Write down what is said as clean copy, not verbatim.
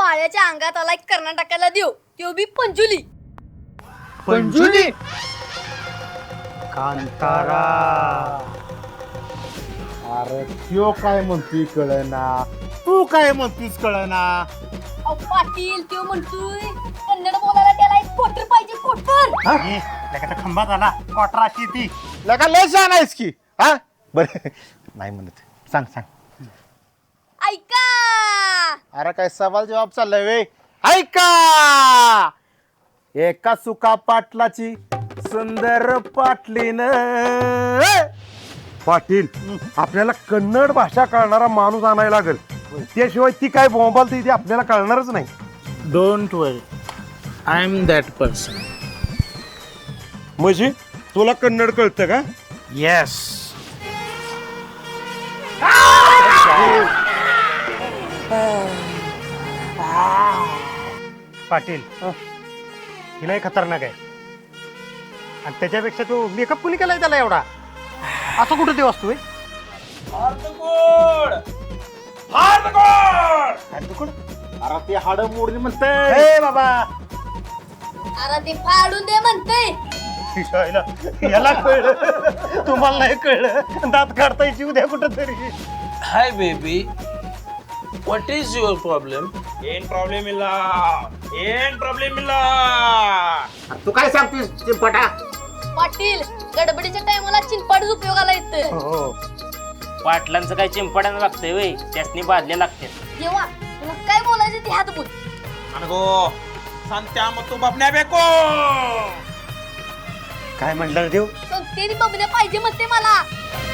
बाळ्याच्या अंगात आलाय कर्नाटकाला देऊ त्यो बी पंजुली. पंजुली कांतारा. अरे त्यो काय म्हणतोय कळना, तू काय म्हणतोस कळना. अहो पाटील त्यो म्हणतोय कन्नड बोलायला त्याला एक कोटर पाहिजे, कोटर. लगाचा खंबा झाला क्वार्टराची ती. लगा लय छान आहेस की. हा बर नाही म्हणत, सांग सांग. ऐका. अरे काय सवाल जवाब चाललाय वे. ऐका. एका सुका पाटलाची सुंदर पाटलीन. पाटील आपल्याला कन्नड भाषा कळणारा माणूस आणायला लागेल, त्याशिवाय ती काय बोंबालते ती आपल्याला कळणारच नाही. Don't worry, I am that person. म्हणजे तुला कन्नड कळतं का? येस. पाटील हिला खतरनाक आहे आणि त्याच्यापेक्षा तो मेकअप कुणी केलाय त्याला एवढा? असं कुठं ते वस्तू आहे? अरे ते हाड मोडली म्हणते बाबा अरे ते फाडून दे म्हणते. याला कळलं, तुम्हाला नाही कळलं. दात काढता येईल उद्या कुठं तरी. Hi, baby. What is your problem? तू काय सांगतोस चिंपटा? पाटील गडबडीच्या टायमाला चिंपाडच उपयोगाला येतं. हो. पाटलांचं काय चिंपाड्यानं लागतंय वय, त्यासनी बादल्या लागतात. देवा तुला काय बोलायचं ते हात बोल. काय म्हणलं देव? संगतेने बबल्या पाहिजे म्हणते मला.